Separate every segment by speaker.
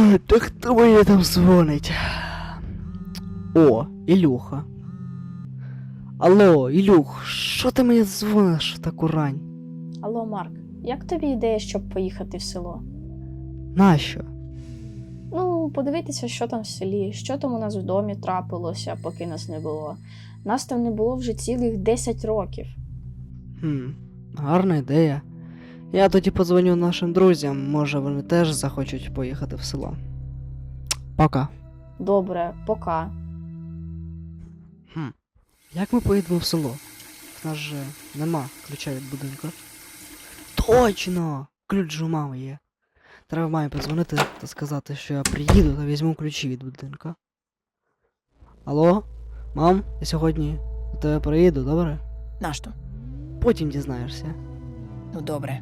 Speaker 1: Та хто мені там дзвонить? О, Ілюха. Алло, Ілюх, що ти мені дзвониш в таку рань?
Speaker 2: Алло, Марк, як тобі ідея, щоб поїхати в село?
Speaker 1: Нащо?
Speaker 2: Ну, подивитися, що там в селі, що там у нас в домі трапилося, поки нас не було. Нас там не було вже цілих 10 років.
Speaker 1: Гарна ідея. Я тоді подзвоню нашим друзям, може вони теж захочуть поїхати в село. Пока.
Speaker 2: Добре, пока.
Speaker 1: Як ми поїдемо в село? В нас же нема ключа від будинку. Точно! Ключ же у мами є. Треба мамі подзвонити та сказати, що я приїду та візьму ключі від будинку. Алло? Мам, я сьогодні до тебе приїду, добре?
Speaker 3: Нащо?
Speaker 1: Потім дізнаєшся.
Speaker 3: Ну добре.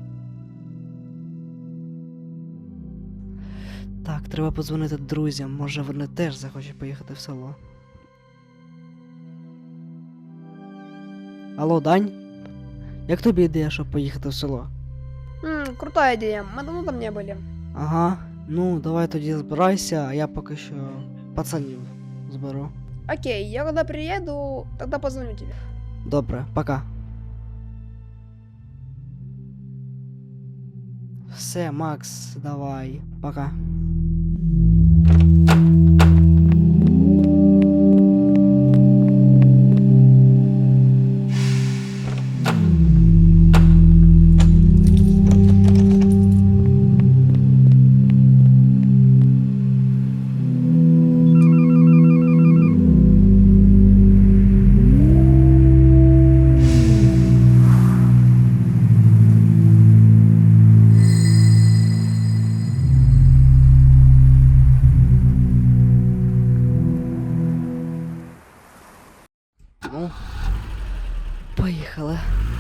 Speaker 1: Так, треба подзвонити друзям, може вони теж захочуть поїхати в село. Алло, Дань? Як тобі ідея, щоб поїхати в село?
Speaker 4: Крутая идея. Мы давно там не были.
Speaker 1: Ага, ну давай тоді збирайся, а я поки що пацанів зберу.
Speaker 4: Окей, я когда приеду, тогда позвоню тебе.
Speaker 1: Добре, пока. Все, Макс, давай, пока. Ну, поїхали.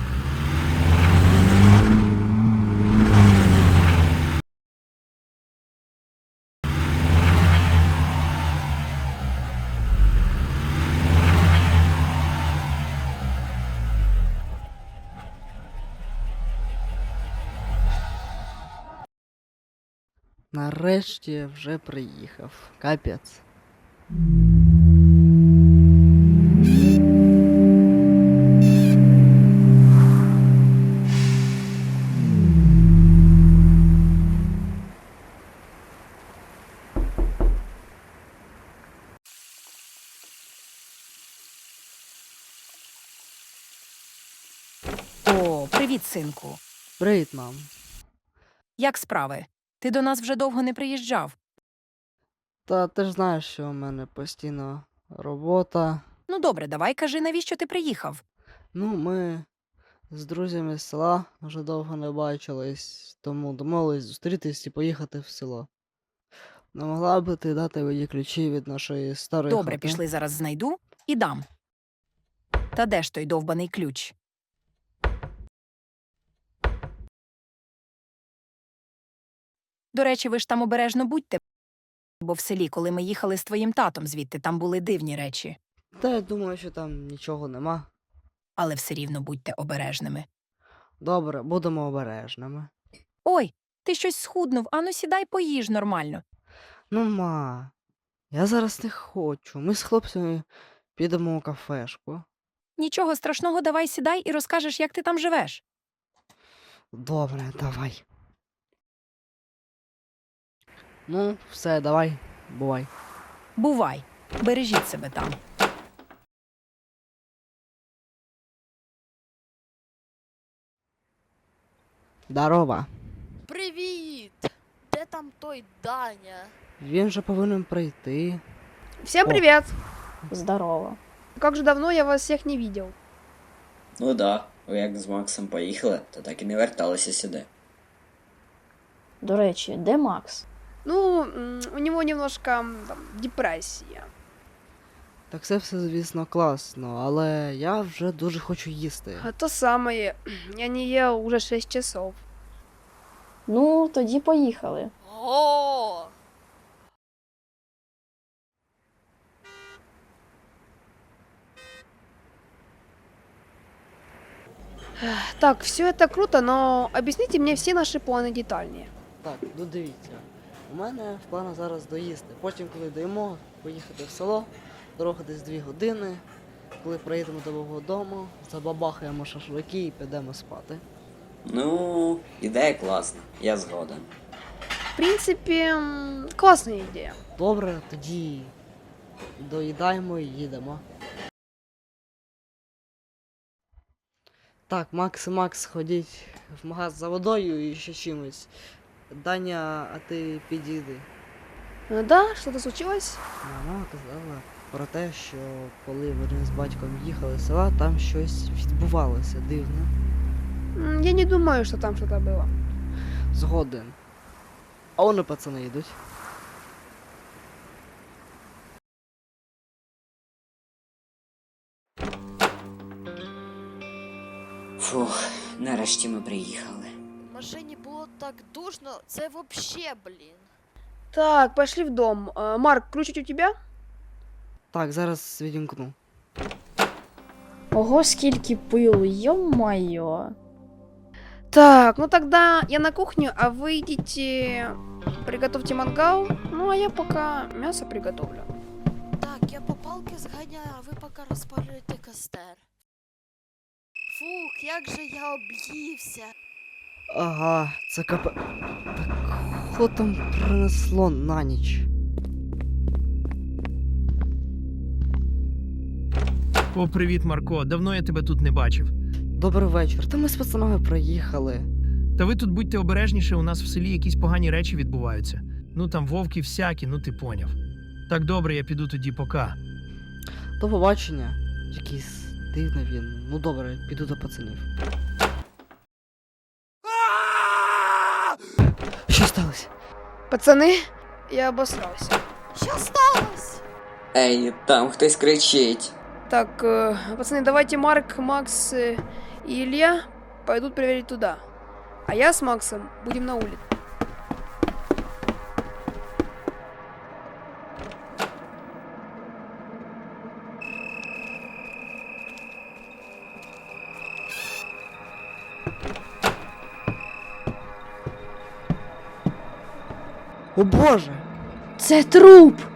Speaker 1: Нарешті вже приїхав. Капець.
Speaker 3: О, привіт, синку.
Speaker 1: Привіт, мам.
Speaker 3: Як справи? Ти до нас вже довго не приїжджав.
Speaker 1: Та ти ж знаєш, що у мене постійно робота.
Speaker 3: Ну добре, давай кажи, навіщо ти приїхав?
Speaker 1: Ну, ми з друзями з села вже довго не бачились, тому домовились зустрітись і поїхати в село. Не могла би ти дати мені ключі від нашої старої
Speaker 3: Добре,
Speaker 1: хати?
Speaker 3: пішли, зараз знайду і дам. Та де ж той довбаний ключ? До речі, ви ж там обережно будьте, бо в селі, коли ми їхали з твоїм татом звідти, там були дивні речі.
Speaker 1: Та я думаю, що там нічого нема.
Speaker 3: Але все рівно будьте обережними.
Speaker 1: Добре, будемо обережними.
Speaker 3: Ой, ти щось схуднув, ану сідай поїж нормально.
Speaker 1: Ну, ма, я зараз не хочу. Ми з хлопцями підемо у кафешку.
Speaker 3: Нічого страшного, давай сідай і розкажеш, як ти там живеш.
Speaker 1: Добре, давай. Ну, все, давай, бувай.
Speaker 3: Бувай, бережіть себе там.
Speaker 1: Здорова.
Speaker 5: Привіт! Де там той Даня?
Speaker 1: Він же повинен прийти.
Speaker 4: Всем
Speaker 1: О.
Speaker 4: привет!
Speaker 2: Здорово.
Speaker 4: Как же давно я вас всех не видел.
Speaker 6: Ну да, ви як з Максом поїхали, то так і не верталися сюди.
Speaker 2: До речі, де Макс?
Speaker 4: Ну, у него немножко там, депрессия.
Speaker 1: Так це все, звісно, класно, але я вже дуже хочу їсти.
Speaker 4: А то самое. Я не ел уже 6 часов.
Speaker 2: Ну, тоді поїхали.
Speaker 5: О!
Speaker 4: Так, все это круто, но объясните мне все наши планы детальнее.
Speaker 1: Так, ну дивіться. У мене в планах зараз доїсти. Потім, коли доїмо, поїхати в село, дорога десь 2 години. Коли приїдемо до мого дому, забабахаємо шашлики і підемо спати.
Speaker 6: Ну, ідея класна, я згоден.
Speaker 4: В принципе, классная идея.
Speaker 1: Добре, тоді доїдаємо і їдемо. Так, Макс і Макс ходіть в магаз за водою і ще чимось. Даня, а ти підійди.
Speaker 4: Да, что-то случилось?
Speaker 1: Мама казала про те, що коли вони з батьком їхали з села, там щось відбувалося дивне.
Speaker 4: Я не думаю, что там что-то было.
Speaker 1: Згоден. А вони пацани йдуть.
Speaker 6: Фух, нарешті ми приїхали.
Speaker 5: В машині було так душно, це вообще, блін.
Speaker 4: Так, пошли в дом. Марк, ключик у тебя?
Speaker 1: Так, зараз відімкну.
Speaker 2: Ого, скільки пилу, йо-майо.
Speaker 4: Так, ну тогда я на кухню, а вы идите, приготовьте мангал, ну а я пока мясо приготовлю.
Speaker 5: Так, я по палки зганяю, а ви поки розпалюєте костер. Фух, як же я об'ївся.
Speaker 1: Ага, це Так, що там принесло на ніч?
Speaker 7: О, привіт, Марко. Давно я тебе тут не бачив.
Speaker 1: Добрий вечір. Та ми з пацанами приїхали.
Speaker 7: Та ви тут будьте обережніше, у нас в селі якісь погані речі відбуваються. Ну там вовки всякі, ну ти поняв. Так добре, я піду тоді пока.
Speaker 1: До побачення. Якийсь дивний він. Ну добре, піду до пацанів. Що сталося?
Speaker 4: Пацаны, я обосрался.
Speaker 5: Що сталося?
Speaker 6: Ей, там хтось кричить.
Speaker 4: Так, пацаны, давайте Марк, Макс и Илья пойдут проверить туда. А я с Максом будем на улице.
Speaker 1: О боже!
Speaker 2: Це труп!